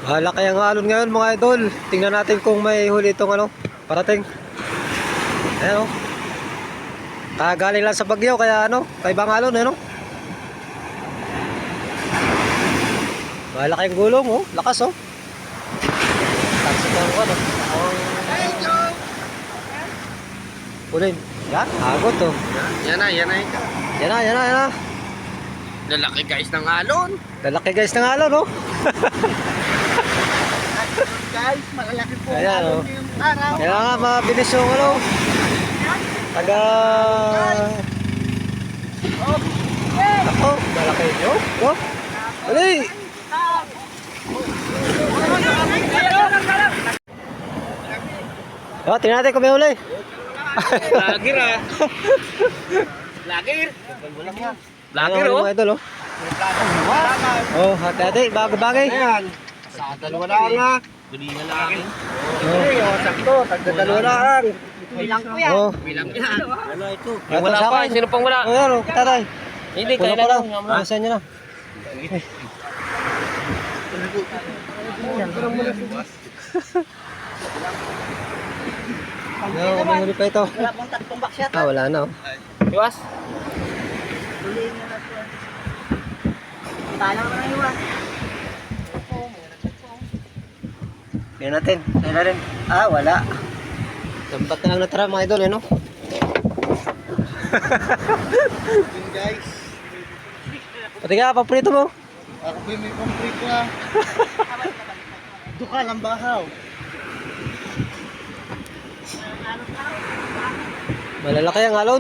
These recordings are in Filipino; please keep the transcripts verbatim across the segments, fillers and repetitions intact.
Malaki ang alon ngayon mga idol. Tingnan natin kung may huli itong ano, parating. Ayan o. Kagaling lang sa bagyo kaya ano, kaibang alon ano. Malaki ang gulong oh, lakas oh. Tansik ang ano. Pulin. Yan, agot oh. Yan na, yan na. Yan na, yan na, yan na. Lalaki guys ng alon. Lalaki guys ng alon oh. Guys, malalaki po Ayan, alon oh. ngayong araw. Kaya nga mabilis yung ano. Taga... Ako, malaki nyo. Go. Uli. Oh, tingnan natin kung may huli. Lagir ah. Lagir. Lagir Ano, oh. mga idol, oh. Oh, hati-hati, bago-bagay. Ayan. Sa dalawa lang ha. Bili na lang. Oh. Oh, sakto. Tagda dalawa lang. Bilang ko yan. Oh. Bilang yan. Ano ito? Ito, Wala sa pa. akin. Sino pang wala? Oh, yan, oh, tatay. Hindi, Puno kaya pa lang. lang. Alisan nyo na. No, may huli pa ito. Wala pang tatlong box yata. Ah, wala na, oh. Iwas. Huliin nyo na ito. Talang na iwan. Tingnan natin. Tingnan natin. Ah, wala. Dampat na lang natara mga idol, eh, no? Guys. Pati ka, paprito mo. Ako ba may complete na? Duka lang bahaw. Malalaki ang alon.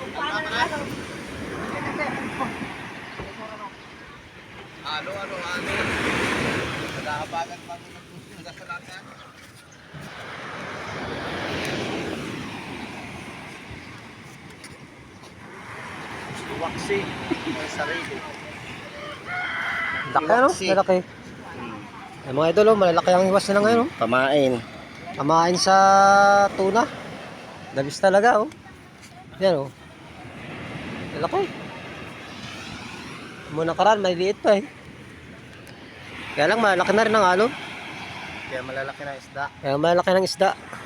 Ano, ano, ano? Nagkakabagan pa ako ng nagkasalatan. Waksi. May sarili. Laki, ano? Malalaki. Ay, mga idol, oh, malalaki ang iwas nila ngayon, oh. Pamain. Kamain sa tuna. Dabis talaga, oh. Yan, oh. Malaki. Muna karan, maliliit pa, eh. Kaya lang, malaki na rin ang alon. Kaya malalaki na isda. Kaya malaki ng isda.